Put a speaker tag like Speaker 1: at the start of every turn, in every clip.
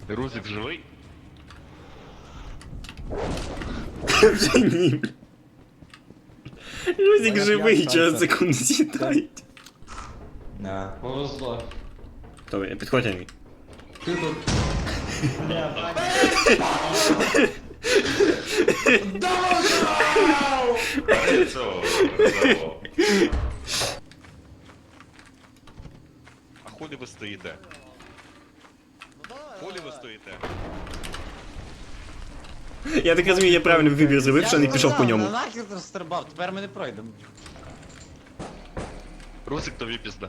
Speaker 1: Рузик живий?
Speaker 2: Вже ні. Рузик
Speaker 3: Мене
Speaker 2: живий,
Speaker 3: п'ять
Speaker 2: через
Speaker 3: шансів.
Speaker 2: секунду з'їдають.
Speaker 3: Да.
Speaker 4: Повезло.
Speaker 2: Добре, підходь, Андрій.
Speaker 4: Ти тут.
Speaker 1: А хулі ви стоїте? Хулі ви стоїте?
Speaker 2: Я так розумію, я правильний вибір зробив, що не пішов по ньому.
Speaker 3: Нахер ти стрибав, тепер ми не пройдемо.
Speaker 1: Рузик тобі пізда.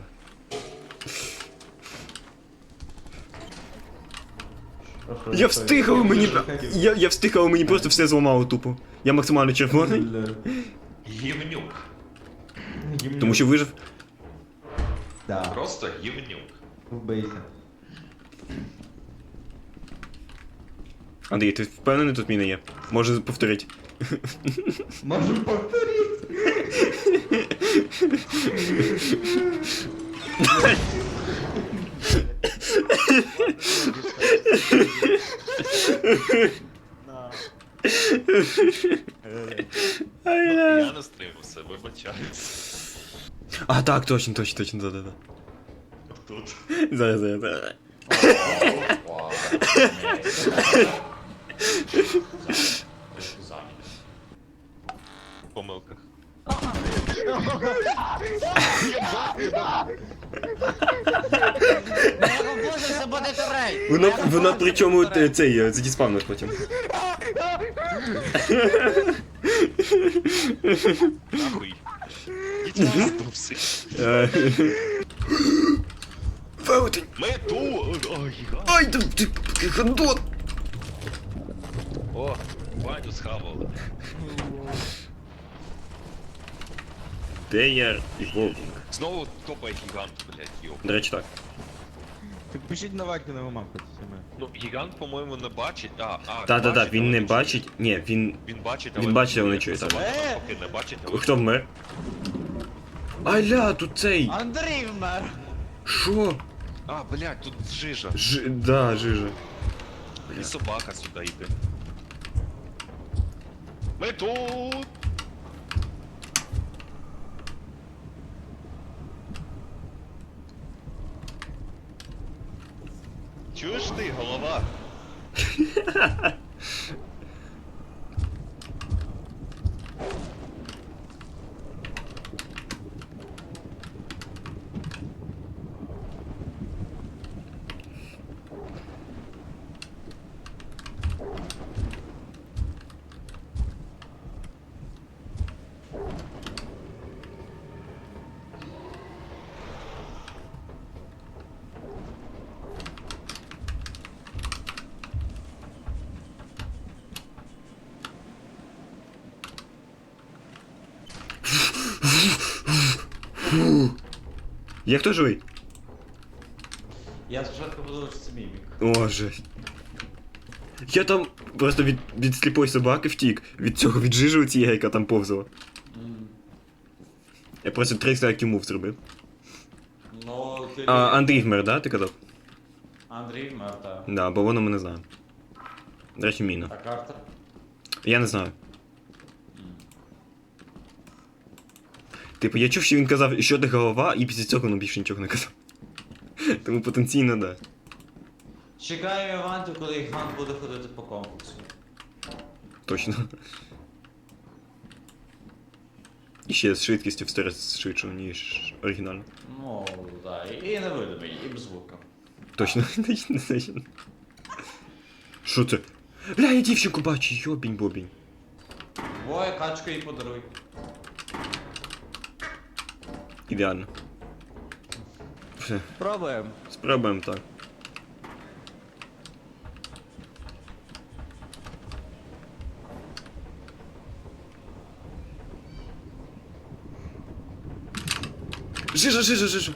Speaker 2: Я встиг, але мені... Я встиг, але мені просто все зламало тупо. Я максимально червоний,
Speaker 1: Гівнюк.
Speaker 2: тому що вижив.
Speaker 3: Да,
Speaker 1: Просто гівнюк.
Speaker 3: вбийся.
Speaker 2: Андрій, ти впевнений, тут міна є? Може повторити?
Speaker 3: Можу повторити.
Speaker 1: Я не стримався, вибачаюсь.
Speaker 2: А, так, точно, да.
Speaker 1: Тут.
Speaker 2: Зараз.
Speaker 1: В помилках.
Speaker 3: Не роботися, буде турель.
Speaker 2: Воно причому цей задіспавнилось потім.
Speaker 1: Нахуй. Ідіть здувся.
Speaker 2: Велетень!
Speaker 1: Ми тут! Ой, гігант.
Speaker 2: Ай, ти гандон!
Speaker 1: О, Ваню схавали.
Speaker 2: Де я і Вовк?
Speaker 1: Знову топає гігант, блядь, йо.
Speaker 2: До речі, так.
Speaker 5: Так пишіть на вакі на мамах саме.
Speaker 1: Ну, гігант, по-моєму, не бачить.
Speaker 2: Та,
Speaker 1: бачить,
Speaker 2: він
Speaker 1: але
Speaker 2: не
Speaker 1: чує.
Speaker 2: бачить. Ні, він...
Speaker 1: Він бачить,
Speaker 2: Він бачить, але не чує,
Speaker 1: Це
Speaker 2: так.
Speaker 1: вона поки не бачить, але
Speaker 2: Хто вмер? Аля, тут цей!
Speaker 3: Андрій вмер.
Speaker 2: Шо?
Speaker 1: А, блядь, тут жижа.
Speaker 2: Да, жижа.
Speaker 1: І собака сюди йде. Ми тут! Чуєш ти, голова?
Speaker 2: Є хто живий?
Speaker 3: Я спочатку подумав, що це мімік.
Speaker 2: О, жесть. Я там просто від сліпої собаки втік. Від цього, від жижи цієї, яка там повзала. Я просто 300 IQ мув зробив.
Speaker 3: Ну, ти...
Speaker 2: А, Андрій вмер, да, ти казав?
Speaker 3: Андрій вмер, так.
Speaker 2: Да, бо воно мене знає. До речі, міна.
Speaker 3: А Картер?
Speaker 2: Я не знаю. Типу, я чув, що він казав, що ти голова, і після цього ну більше нічого не казав. Тому потенційно, да.
Speaker 3: Чекаємо Іванту, коли Іван буде ходити по комплексу.
Speaker 2: Точно. І ще з швидкістю в 100 раз швидше, ніж оригінально.
Speaker 3: Ну, так, і невидимий, і без звука.
Speaker 2: Точно, точно. Що це? Бля, я дівчинку бачу, йобінь-бобінь.
Speaker 3: Бой, качку їй подаруй.
Speaker 2: Ідеально. Все,
Speaker 5: Пробуємо.
Speaker 2: спробуємо так. Жижа.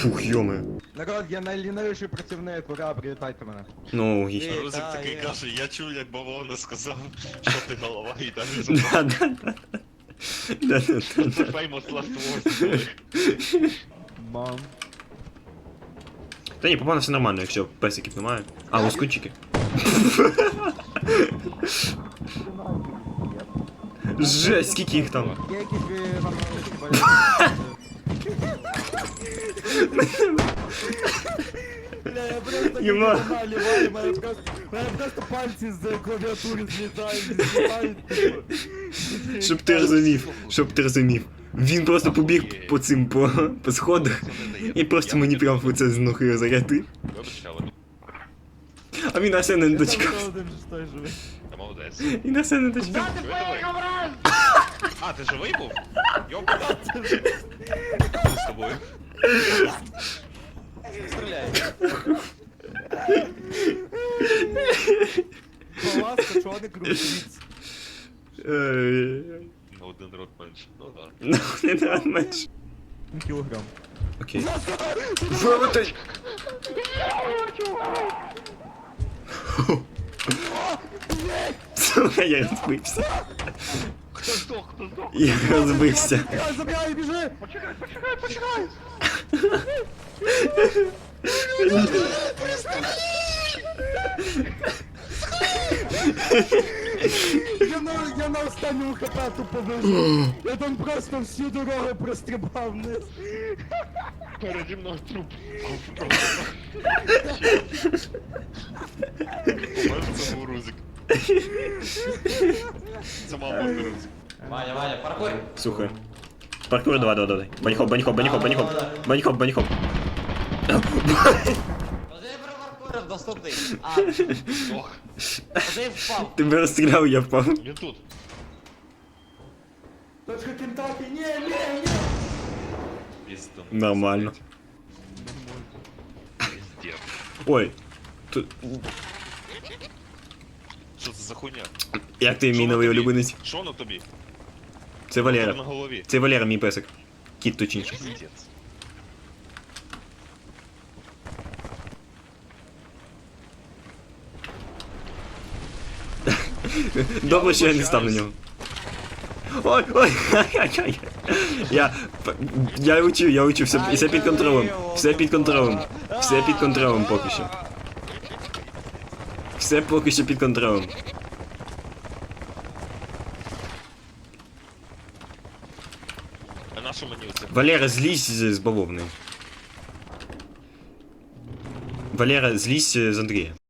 Speaker 2: Фух, йоме.
Speaker 5: Народ, я найлінивіший працівник, ура, привітайте мене.
Speaker 2: Ну, логічно.
Speaker 3: Ей,
Speaker 1: Рузик
Speaker 3: та,
Speaker 1: такий
Speaker 3: є.
Speaker 1: каже, я чув, як бавовна сказав, що ти голова, і далі забрав.
Speaker 2: Да-да-да. Да-да-да.
Speaker 1: Це famous last words.
Speaker 5: Мам.
Speaker 2: Та ні, попав все нормально, якщо песиків немає. А, лоскутчики. Жесть, скільки їх там?
Speaker 5: Є якісь ви вам Бля, я просто
Speaker 2: Єма.
Speaker 5: наливаю, мене просто пальці з клавіатури злітають.
Speaker 2: Щоб ти розумів, щоб ти розумів. Він просто побіг по цим по сходах і просто мені прямо в це з ноги зарядив.
Speaker 1: Вибачте, але
Speaker 2: А він на все не дочекався.
Speaker 5: Один ж той живий.
Speaker 1: ти молодець.
Speaker 2: І на все не дочекався.
Speaker 1: А, ти живий був? Йопа. Що з тобою?
Speaker 3: Стріляй.
Speaker 5: Паласка, чорний крутиць.
Speaker 1: На один рот менше. Ну да.
Speaker 2: Ну, не треба менше.
Speaker 5: Кілограм.
Speaker 2: Окей. Вивотай! Сука, я розбився.
Speaker 1: Хто здох, хто здох?
Speaker 2: Я розбився.
Speaker 5: Забирай, біжи! Я на останньому хп тупо вижив. Я там просто всю дорогу прострибав вниз.
Speaker 1: Переді мною труп. Помер, це був Рузик. Це мав бути Рузик.
Speaker 3: Ваня, паркур.
Speaker 2: Слухай. Паркур, давай. Баніхоп. Баніхоп.
Speaker 3: Вже про паркур доступний. А,
Speaker 1: Здох.
Speaker 3: вже впав.
Speaker 2: Ти мене розстріляв, я впав.
Speaker 1: Він тут.
Speaker 5: Точка Кентакі, ні!
Speaker 1: Піздом.
Speaker 2: Нормально.
Speaker 1: Піздец.
Speaker 2: Ой. Тут...
Speaker 1: Що це за хуйня?
Speaker 2: Як ти мій новий улюбленець?
Speaker 1: Що на тобі?
Speaker 2: Це
Speaker 1: На
Speaker 2: Валера.
Speaker 1: голові.
Speaker 2: Це Валера, мій песик. Кіт точніше.
Speaker 1: Піздец.
Speaker 2: Добре, що я не став на нього. Ой, ай-яй-яй. Я учу, все під контролем. Все під контролем поки що. Все поки що під контролем.
Speaker 1: А на що мені оце?
Speaker 2: Валера, злізь з бавовни. Валера, злізь з Андрія.